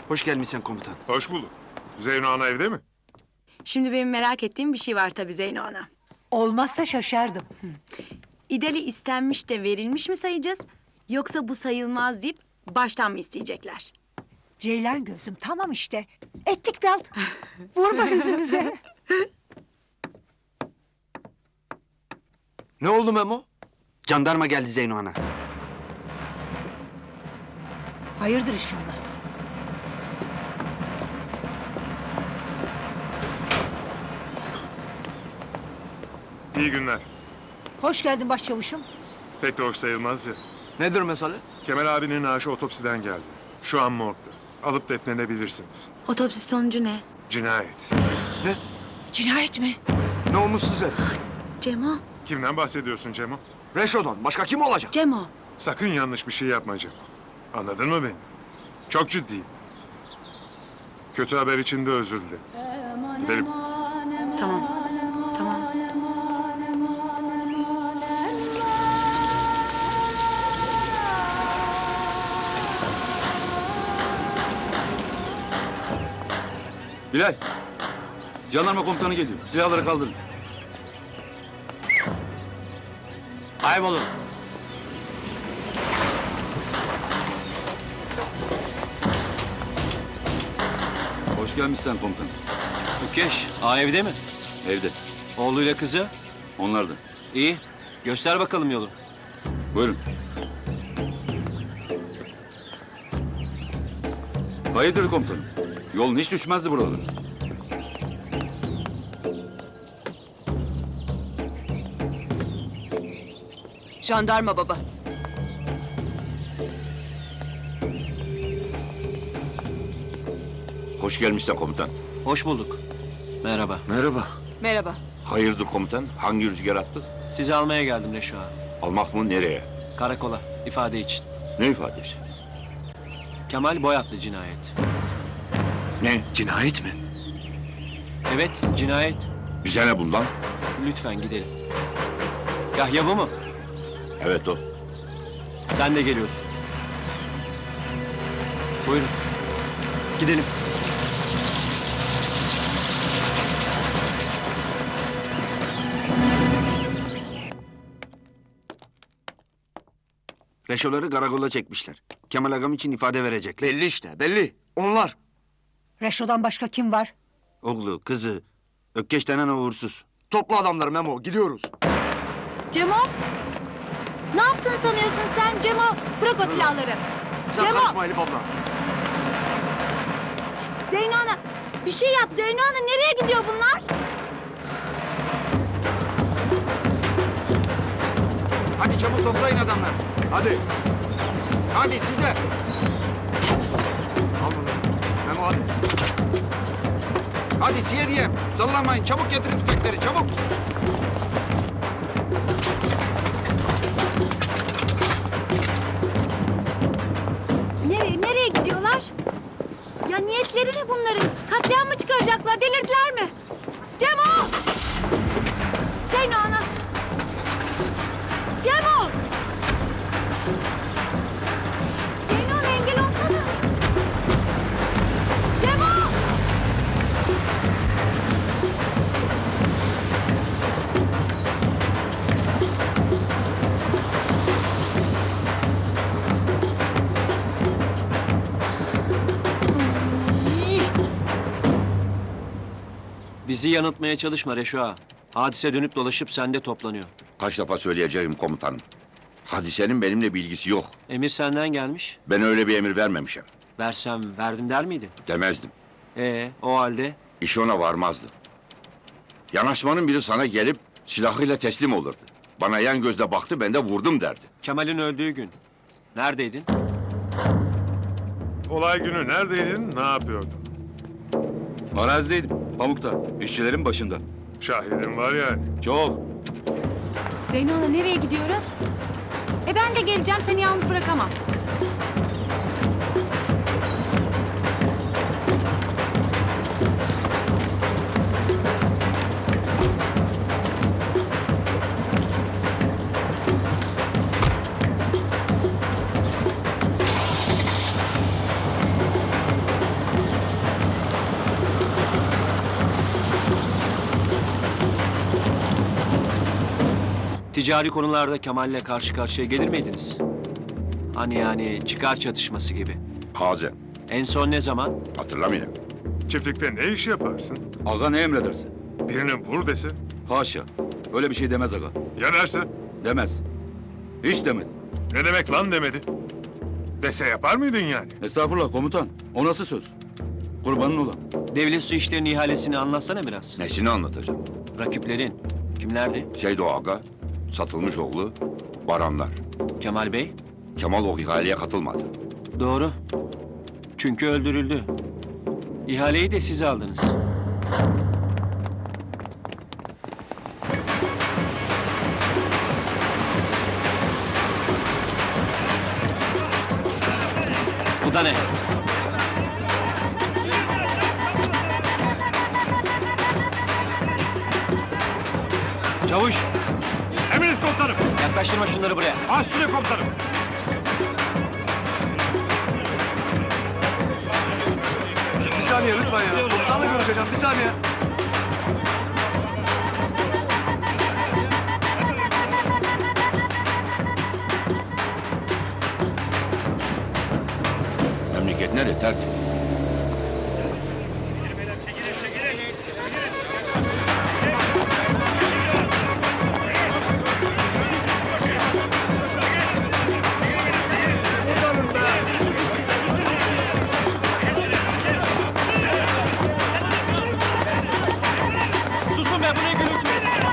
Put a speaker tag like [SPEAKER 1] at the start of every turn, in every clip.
[SPEAKER 1] Hoş gelmişsin komutan.
[SPEAKER 2] Hoş bulduk. Zeyno Ana evde mi?
[SPEAKER 3] Şimdi benim merak ettiğim bir şey var tabii Zeyno Ana.
[SPEAKER 4] Olmazsa şaşardım.
[SPEAKER 3] İdali istenmiş de verilmiş mi sayacağız? Yoksa bu sayılmaz deyip baştan mı isteyecekler?
[SPEAKER 4] Ceylan gözüm tamam işte. Ettik dal. Vurma yüzümüze.
[SPEAKER 1] Ne oldu Memo? Jandarma geldi Zeyno Ana.
[SPEAKER 4] Hayırdır inşallah.
[SPEAKER 2] İyi günler.
[SPEAKER 4] Hoş geldin başçavuşum.
[SPEAKER 2] Pek de hoş sayılmaz ya.
[SPEAKER 1] Nedir mesele?
[SPEAKER 2] Kemal abinin naaşı otopsiden geldi. Şu an morgda. Alıp defnedebilirsiniz.
[SPEAKER 3] Otopsi sonucu ne?
[SPEAKER 2] Cinayet.
[SPEAKER 1] Ne?
[SPEAKER 4] Cinayet mi?
[SPEAKER 1] Ne olmuş size?
[SPEAKER 3] Cemo,
[SPEAKER 2] Kimden bahsediyorsun Cemo?
[SPEAKER 1] Reşo'dan. Başka kim olacak?
[SPEAKER 3] Cemo.
[SPEAKER 2] Sakın yanlış bir şey yapma Cemo. Anladın mı beni? Çok ciddiyim. Kötü haber için de özür dilerim. Gidelim.
[SPEAKER 3] Tamam, tamam.
[SPEAKER 5] Bilal, jandarma komutanı geliyor. Silahları kaldırın.
[SPEAKER 1] Kaybolun.
[SPEAKER 5] Hoş gelmişsin komutanım.
[SPEAKER 6] Ökeş, ağa evde mi?
[SPEAKER 5] Evde.
[SPEAKER 6] Oğluyla kızı?
[SPEAKER 5] Onlar da.
[SPEAKER 6] İyi. Göster bakalım yolu.
[SPEAKER 5] Buyurun. Hayırdır komutanım? Yolun hiç düşmezdi buralara.
[SPEAKER 7] Jandarma baba.
[SPEAKER 8] Hoş gelmişsin komutan.
[SPEAKER 6] Hoş bulduk. Merhaba.
[SPEAKER 1] Merhaba.
[SPEAKER 7] Merhaba.
[SPEAKER 8] Hayırdır komutan? Hangi rüzgar attı?
[SPEAKER 6] Sizi almaya geldim Reşo ağa.
[SPEAKER 8] Almak mı nereye?
[SPEAKER 6] Karakola, ifade için.
[SPEAKER 8] Ne ifadesi?
[SPEAKER 6] Kemal Boyatlı cinayet.
[SPEAKER 8] Ne?
[SPEAKER 1] Cinayet mi?
[SPEAKER 6] Evet, cinayet.
[SPEAKER 8] Bize ne bundan?
[SPEAKER 6] Lütfen gidelim. Yahya bu mu?
[SPEAKER 8] Evet o.
[SPEAKER 6] Sen de geliyorsun. Buyurun. Gidelim.
[SPEAKER 1] Reşo'ları karakola çekmişler. Kemal Agam için ifade verecekler.
[SPEAKER 9] Belli işte, belli. Onlar.
[SPEAKER 4] Reşo'dan başka kim var?
[SPEAKER 1] Oğlu, kızı, Ökkeş denen o uğursuz.
[SPEAKER 9] Topla adamları Memo, gidiyoruz.
[SPEAKER 3] Cemo! Ne yaptın sanıyorsun sen Cemo? Bırak o silahları.
[SPEAKER 9] Sen
[SPEAKER 3] Cemo!
[SPEAKER 9] karışma Elif abla.
[SPEAKER 3] Zeyno Ana, bir şey yap Zeyno Ana. Nereye gidiyor bunlar?
[SPEAKER 1] Hadi çabuk toplayın adamlar.
[SPEAKER 9] Hadi.
[SPEAKER 1] Hadi siz de.
[SPEAKER 9] Al bunu. Memo hadi.
[SPEAKER 1] Hadi siye diyeyim. Sallamayın. Çabuk getirin tüfekleri. Çabuk.
[SPEAKER 3] Nereye gidiyorlar? Ya niyetleri ne bunların? Katliam mı çıkaracaklar? Delirdiler mi? Cemo! Zeyno Ana! Cemo! Zeyno Ana engel olsana! Cemo!
[SPEAKER 6] Bizi yanıltmaya çalışma Reşo ağa. Hadise dönüp dolaşıp sende toplanıyor.
[SPEAKER 8] Kaç defa söyleyeceğim komutanım. Hadisenin benimle bir ilgisi yok.
[SPEAKER 6] Emir senden gelmiş.
[SPEAKER 8] Ben öyle bir emir vermemişim.
[SPEAKER 6] Versem verdim der miydin?
[SPEAKER 8] Demezdim.
[SPEAKER 6] O halde
[SPEAKER 8] İş ona varmazdı. Yanaşmanın biri sana gelip silahıyla teslim olurdu. Bana yan gözle baktı, ben de vurdum derdi.
[SPEAKER 6] Kemal'in öldüğü gün neredeydin?
[SPEAKER 2] Olay günü neredeydin, ne yapıyordun?
[SPEAKER 5] Arazideydim. Pamuk'ta. İşçilerin başında.
[SPEAKER 2] Şahidin var yani.
[SPEAKER 5] Çok.
[SPEAKER 3] Zeyno Ana nereye gidiyoruz? Ben de geleceğim, seni yalnız bırakamam.
[SPEAKER 6] Ticari konularda Kemal'le karşı karşıya gelir miydiniz? Hani yani çıkar çatışması gibi.
[SPEAKER 8] Hazen.
[SPEAKER 6] En son ne zaman?
[SPEAKER 8] Hatırlamıyorum.
[SPEAKER 2] Çiftlikte ne iş yaparsın?
[SPEAKER 5] Aga ne emredersin?
[SPEAKER 2] Birine vur dese.
[SPEAKER 5] Haşa. Öyle bir şey demez aga.
[SPEAKER 2] Ya derse?
[SPEAKER 5] Demez. Hiç demedi.
[SPEAKER 2] Ne demek lan demedi. Dese yapar mıydın yani?
[SPEAKER 5] Estağfurullah komutan. O nasıl söz? Kurbanın olan.
[SPEAKER 6] Devlet su işlerinin ihalesini anlatsana biraz.
[SPEAKER 8] Nesini anlatacağım?
[SPEAKER 6] Rakiplerin. Kimlerdi?
[SPEAKER 8] Şeydo Aga, satılmış oğlu, Baranlar.
[SPEAKER 6] Kemal Bey?
[SPEAKER 8] Kemal o ihaleye katılmadı.
[SPEAKER 6] Doğru. Çünkü öldürüldü. İhaleyi de siz aldınız. Bu da ne? Çavuş,
[SPEAKER 9] Emret komutanım.
[SPEAKER 6] yaklaştırma şunları buraya.
[SPEAKER 9] Üstüne komutanım. Bir saniye lütfen ya. Komutanla görüşeceğim. Bir saniye.
[SPEAKER 8] Memleket nerede? Tertip.
[SPEAKER 6] Susun be, bu ne gürültü?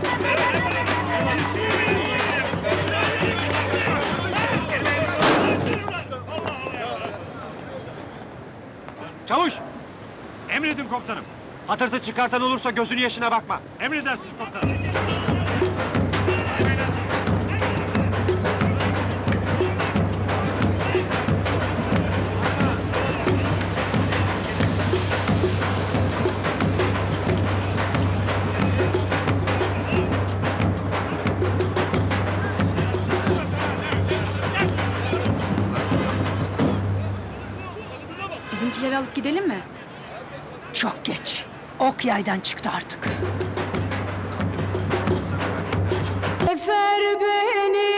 [SPEAKER 9] Çavuş. Emredin komutanım.
[SPEAKER 6] Hatırtı çıkartan olursa gözünün yaşına bakma.
[SPEAKER 9] Emredersiniz komutanım.
[SPEAKER 3] Bizimkileri alıp gidelim mi?
[SPEAKER 4] Çok geç. Ok yaydan çıktı artık.
[SPEAKER 3] Efer beni.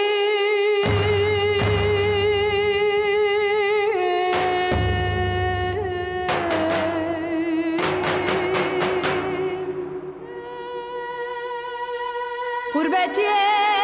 [SPEAKER 3] Gurbet